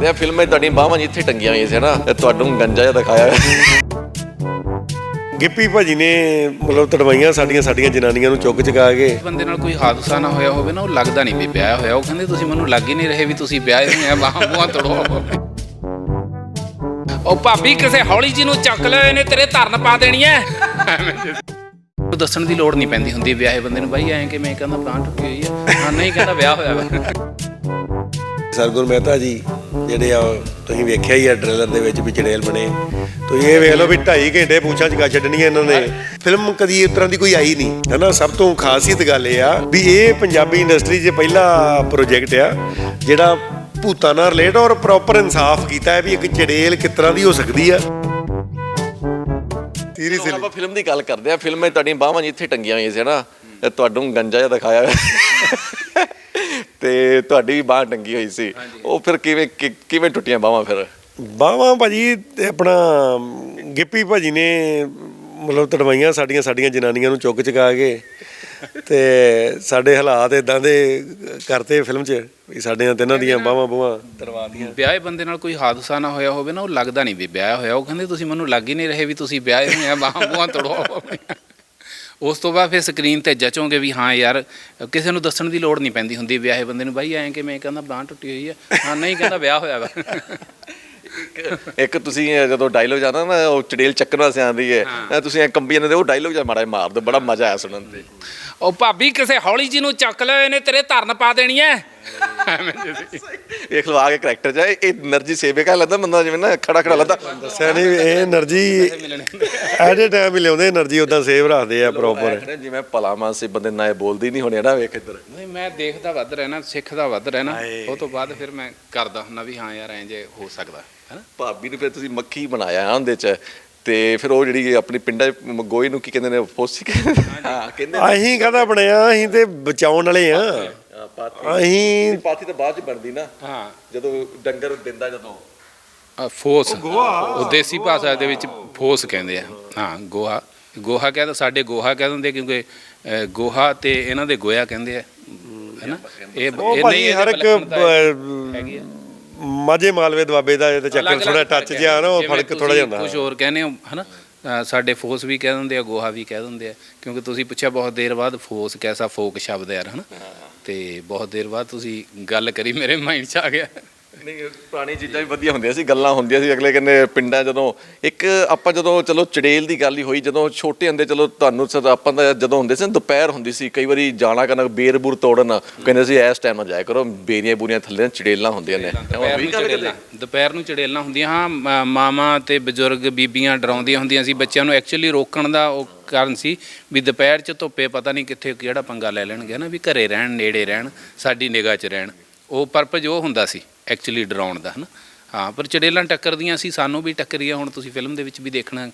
ਕਰਦੇ ਆ ਫਿਲਮ 'ਚ ਤੁਹਾਡੀਆਂ ਬਾਹਾਂ ਜਿੱਥੇ ਟੰਗੀਆਂ ਹੋਈਆਂ ਸੀ ਨਾ ਤੁਹਾਨੂੰ ਗੰਜਾ ਜਿਹਾ ਦਿਖਾਇਆ ਗਿੱਪੀ ਭਾਜੀ ਨੇ ਮਤਲਬ ਤੜਵਾਈਆਂ ਸਾਡੀਆਂ ਜਨਾਨੀਆਂ ਨੂੰ ਚੁੱਕ ਚੁਕਾ ਕੇ। ਬੰਦੇ ਨਾਲ ਕੋਈ ਹਾਦਸਾ ਨਾ ਹੋਇਆ ਹੋਵੇ ਨਾ, ਉਹ ਲੱਗਦਾ ਨਹੀਂ ਵੀ ਵਿਆਹ ਹੋਇਆ। ਉਹ ਕਹਿੰਦੇ ਤੁਸੀਂ ਮੈਨੂੰ ਲੱਗ ਹੀ ਨਹੀਂ ਰਹੇ ਵੀ ਤੁਸੀਂ ਵਿਆਹ ਹੋਏ ਆ, ਬਾਹਾਂ ਬੂਹਾਂ ਤੜੋ। ਉਹ ਭਾਬੀ ਕਿਸੇ ਹੌਲੀ ਜੀ ਨੂੰ ਚੱਕ ਲੈ, ਇਹਨੇ ਤੇਰੇ ਧਰਨ ਪਾ ਦੇਣੀ ਐ। ਦੱਸਣ ਦੀ ਲੋੜ ਨਹੀਂ ਪੈਂਦੀ ਹੁੰਦੀ ਵਿਆਹੇ ਬੰਦੇ ਨੂੰ, ਬਾਈ ਐਂ ਕਿ ਮੈਂ ਕਹਿੰਦਾ ਬਾਂਹ ਟੁੱਟੀ ਹੋਈ ਆ, ਹਾਂ ਨਹੀਂ ਕਹਿੰਦਾ ਵਿਆਹ ਹੋਇਆ ਵਾ। ਸਰਗੁਣ ਮਹਿਤਾ ਜੀ ਜਿਹੜੇ ਆ ਤੁਸੀਂ ਵੇਖਿਆ ਹੀ ਆ ਟ੍ਰੇਲਰ ਦੇ ਵਿੱਚ ਵੀ ਚੜੇਲ ਬਣੇ। ਤੁਸੀਂ ਇਹ ਵੇਖ ਲਓ ਵੀ 2.5 ਘੰਟੇ ਪੂਛਾਂ ਚਕਾ ਛੱਡਣੀਆਂ ਇਹਨਾਂ ਨੇ। ਫਿਲਮ ਕਦੀ ਇਸ ਤਰ੍ਹਾਂ ਦੀ ਕੋਈ ਆਈ ਨਹੀਂ ਹੈ ਨਾ। ਸਭ ਤੋਂ ਖਾਸੀਅਤ ਗੱਲ ਇਹ ਆ ਵੀ ਇਹ ਪੰਜਾਬੀ ਇੰਡਸਟਰੀ 'ਚ ਪਹਿਲਾ ਪ੍ਰੋਜੈਕਟ ਆ ਜਿਹੜਾ ਭੂਤਾਂ ਨਾਲ ਰਿਲੇਟ ਔਰ ਪ੍ਰੋਪਰ ਇਨਸਾਫ ਕੀਤਾ ਹੈ ਵੀ ਇੱਕ ਚੜੇਲ ਕਿਸ ਤਰ੍ਹਾਂ ਦੀ ਹੋ ਸਕਦੀ ਆ। ਸੀਰੀਅਸਲੀ ਆਪਾਂ ਫਿਲਮ ਦੀ ਗੱਲ ਕਰਦੇ ਆ। ਫਿਲਮ 'ਚ ਤੁਹਾਡੀਆਂ ਬਾਹਾਂ ਜਿੱਥੇ ਟੰਗੀਆਂ ਹੋਈਆਂ ਸੀ ਨਾ ਤੁਹਾਨੂੰ ਗੰਜਾ ਜਿਹਾ ਦਿਖਾਇਆ ਤੇ ਤੁਹਾਡੀ ਵੀ ਬਾਂਹ ਟੰਗੀ ਹੋਈ ਸੀ। ਉਹ ਫਿਰ ਕਿਵੇਂ ਟੁੱਟੀਆਂ ਬਾਹਾਂ? ਫਿਰ ਬਾਹਾਂ ਭਾਜੀ ਤੇ ਆਪਣਾ ਗਿੱਪੀ ਭਾਜੀ ਨੇ ਮਤਲਬ ਤੜਵਾਈਆਂ ਸਾਡੀਆਂ ਜਨਾਨੀਆਂ ਨੂੰ ਚੁੱਕ ਚੁਕਾ ਕੇ ਤੇ ਸਾਡੇ ਹਾਲਾਤ ਇਦਾਂ ਦੇ ਕਰਤੇ ਫਿਲਮ 'ਚ ਵੀ ਸਾਡੀਆਂ ਤਿੰਨਾਂ ਦੀਆਂ ਬਾਹਾਂ ਬੂਹਾਂ ਤੜਵਾਤੀਆਂ। ਵਿਆਹੇ ਬੰਦੇ ਨਾਲ ਕੋਈ ਹਾਦਸਾ ਨਾ ਹੋਇਆ ਹੋਵੇ ਨਾ, ਉਹ ਲੱਗਦਾ ਨਹੀਂ ਵੀ ਵਿਆਹ ਹੋਇਆ। ਉਹ ਕਹਿੰਦੇ ਤੁਸੀਂ ਮੈਨੂੰ ਲੱਗ ਹੀ ਨਹੀਂ ਰਹੇ ਵੀ ਤੁਸੀਂ ਵਿਆਹ ਹੋਏ ਆ, ਬਾਹਾਂ ਬੂਹਾਂ ਤੜੋ। ਉਸ ਤੋਂ ਬਾਅਦ ਫਿਰ ਸਕਰੀਨ 'ਤੇ ਜਚੋਗੇ ਵੀ ਹਾਂ ਯਾਰ, ਕਿਸੇ ਨੂੰ ਦੱਸਣ ਦੀ ਲੋੜ ਨਹੀਂ ਪੈਂਦੀ ਹੁੰਦੀ ਵਿਆਹੇ ਬੰਦੇ ਨੂੰ, ਬਾਈ ਐਂ ਕਿ ਮੈਂ ਕਹਿੰਦਾ ਬਾਂਹ ਟੁੱਟੀ ਹੋਈ ਆ, ਹਾਂ ਨਹੀਂ ਕਹਿੰਦਾ ਵਿਆਹ ਹੋਇਆ ਵਾ। ਇੱਕ ਤੁਸੀਂ ਜਦੋਂ ਡਾਇਲੋਗ ਜਾਂਦਾ ਨਾ ਉਹ ਚੜੇਲ ਚੱਕਣ ਵਾਸਤੇ ਆਉਂਦੀ ਹੈ, ਤੁਸੀਂ ਐ ਕੰਬੀ ਜਾਂਦੇ ਉਹ ਡਾਇਲੋਗ ਜਿਹਾ ਮਾੜਾ ਮਾਰ ਦਿਓ, ਬੜਾ ਮਜ਼ਾ ਆਇਆ ਸੁਣਨ ਤੇ। ਉਹ ਭਾਬੀ ਕਿਸੇ ਹੌਲੀ ਜੀ ਨੂੰ ਚੱਕ ਲੈ, ਇਹਨੇ ਤੇਰੇ ਧਰਨ ਪਾ ਦੇਣੀ ਐ। ਵੇਖ ਲਓ ਆ ਕੇ ਕਰੈਕਟਰ ਜਾ ਇਹ એનર્ਜੀ ਸੇਵੇ ਕਾ ਲੱਗਦਾ ਬੰਦਾ ਜਿਵੇਂ ਨਾ ਖੜਾ ਲੱਗਦਾ। ਦੱਸਿਆ ਨਹੀਂ ਇਹ એનર્ਜੀ ਐਟ ਏ ਟਾਈਮ ਹੀ ਲਿਆਉਂਦੇ એનર્ਜੀ ਉਦਾਂ ਸੇਵ ਰੱਖਦੇ ਆ ਪ੍ਰੋਪਰ। ਜਿਵੇਂ ਭਲਾ ਮਾਨਸੀ ਬੰਦੇ ਨਾ ਇਹ ਬੋਲਦੀ ਨਹੀਂ ਹੋਣੀ ਨਾ। ਵੇਖ ਇੱਧਰ ਨਹੀਂ, ਮੈਂ ਦੇਖਦਾ ਵੱਧ ਰਹਿਣਾ, ਸਿੱਖਦਾ ਵੱਧ ਰਹਿਣਾ। ਉਹ ਤੋਂ ਬਾਅਦ ਫਿਰ ਮੈਂ ਕਰਦਾ ਹੁੰਦਾ ਵੀ ਹਾਂ ਯਾਰ ਐਂ ਜੇ ਹੋ ਸਕਦਾ ਹੈ ਨਾ। ਭਾਬੀ ਨੂੰ ਫਿਰ ਤੁਸੀਂ ਮੱਖੀ ਬਣਾਇਆ ਉਹਦੇ 'ਚ ਤੇ ਫਿਰ ਉਹ ਜਿਹੜੀ ਆਪਣੀ ਪਿੰਡਾਂ 'ਚ ਗੋਹੇ ਨੂੰ ਕੀ ਕਹਿੰਦੇ ਨੇ, ਫੋਸੀ ਹਾਂ ਕਹਿੰਦੇ। ਅਸੀਂ ਕਾਹਦਾ ਬਣਿਆ, ਅਸੀਂ ਤੇ ਬਚਾਉਣ ਵਾਲੇ ਆ। ਅਸੀਂ ਪਾਥੀ ਤਾਂ ਬਾਅਦ 'ਚ ਬਣਦੀ ਨਾ, ਹਾਂ ਜਦੋਂ ਡੰਗਰ ਦਿੰਦਾ ਜਦੋਂ ਫੋਸ, ਉਹ ਦੇਸੀ ਭਾਸ਼ਾ ਦੇ ਵਿੱਚ ਫੋਸ ਕਹਿੰਦੇ ਆ। ਹਾਂ ਗੋਹਾ ਕਹਿੰਦਾ, ਸਾਡੇ ਗੋਹਾ ਕਹਿ ਦਿੰਦੇ ਕਿਉਂਕਿ ਗੋਹਾ ਤੇ ਇਹਨਾਂ ਦੇ ਗੋਇਆ ਕਹਿੰਦੇ ਆ, ਹੈ ਨਾ। ਇਹ ਨਹੀਂ ਹਰ ਇੱਕ ਹੈਗੀ ਆ ਮਾਝੇ ਮਾਲਵੇ ਦੁਆਬੇ ਦਾ ਇਹ ਚੱਕਰ ਥੋੜਾ ਟੱਚ ਜਿਹਾ ਨਾ, ਉਹ ਫਰਕ ਥੋੜਾ ਜਿਹਾ ਹੁੰਦਾ। ਕੁਝ ਹੋਰ ਕਹਿੰਦੇ ਹੋ ਹੈ ਨਾ। ਸਾਡੇ ਫੋਸ ਵੀ ਕਹਿ ਦਿੰਦੇ ਆ, ਗੋਹਾ ਵੀ ਕਹਿ ਦਿੰਦੇ ਆ, ਕਿਉਂਕਿ ਤੁਸੀਂ ਪੁੱਛਿਆ ਬਹੁਤ ਦੇਰ ਬਾਅਦ ਫੋਸ ਕੈਸਾ ਫੋਕ ਸ਼ਬਦ ਯਾਰ, ਹੈ ਨਾ। ਤੇ ਬਹੁਤ ਦੇਰ ਬਾਅਦ ਤੁਸੀਂ ਗੱਲ ਕਰੀ, ਮੇਰੇ ਮਾਈਂਡ 'ਚ ਆ ਗਿਆ। ਨਹੀਂ ਪੁਰਾਣੀ ਚੀਜ਼ਾਂ ਵੀ ਵਧੀਆ ਹੁੰਦੀਆਂ ਸੀ, ਗੱਲਾਂ ਹੁੰਦੀਆਂ ਸੀ। ਅਗਲੇ ਕਹਿੰਦੇ ਪਿੰਡਾਂ ਜਦੋਂ ਇੱਕ ਆਪਾਂ ਜਦੋਂ ਚਲੋ ਚੜੇਲ ਦੀ ਗੱਲ ਹੀ ਹੋਈ, ਜਦੋਂ ਛੋਟੇ ਹੁੰਦੇ ਚਲੋ ਤੁਹਾਨੂੰ ਆਪਾਂ ਦਾ ਜਦੋਂ ਹੁੰਦੇ ਸੀ ਦੁਪਹਿਰ ਹੁੰਦੀ ਸੀ, ਕਈ ਵਾਰੀ ਜਾਣਾ ਕਰਨਾ ਬੇਰ ਬੂਰ ਤੋੜਨ, ਕਹਿੰਦੇ ਸੀ ਇਸ ਟਾਈਮ ਨਾਲ ਜਾਇਆ ਕਰੋ, ਬੇਰੀਆਂ ਬੂਰੀਆਂ ਥੱਲੇ ਚੜੇਲਾਂ ਹੁੰਦੀਆਂ ਨੇ। ਦੁਪਹਿਰ ਨੂੰ ਚੜੇਲਾਂ ਹੁੰਦੀਆਂ। ਹਾਂ, ਮਾਵਾਂ ਤੇ ਬਜ਼ੁਰਗ ਬੀਬੀਆਂ ਡਰਾਉਂਦੀਆਂ ਹੁੰਦੀਆਂ ਸੀ ਬੱਚਿਆਂ ਨੂੰ। ਐਕਚੁਅਲੀ ਰੋਕਣ ਦਾ ਉਹ ਕਾਰਨ ਸੀ ਵੀ ਦੁਪਹਿਰ 'ਚ ਧੁੱਪੇ ਪਤਾ ਨਹੀਂ ਕਿੱਥੇ ਕਿਹੜਾ ਪੰਗਾ ਲੈ ਲੈਣਗੇ ਨਾ, ਵੀ ਘਰੇ ਰਹਿਣ, ਨੇੜੇ ਰਹਿਣ, ਸਾਡੀ ਨਿਗਾਹ 'ਚ ਰਹਿਣ। ਉਹ ਪਰਪਸ ਉਹ ਹੁੰਦਾ ਸੀ ਐਕਚੁਅਲੀ ਡਰਾਉਣ ਦਾ, ਹੈ ਨਾ। ਹਾਂ, ਪਰ ਚੜੇਲਾਂ ਟੱਕਰਦੀਆਂ ਸੀ, ਸਾਨੂੰ ਵੀ ਟੱਕਰੀਆਂ। ਹੁਣ ਤੁਸੀਂ ਫਿਲਮ ਦੇ ਵਿੱਚ ਵੀ ਦੇਖਣਾ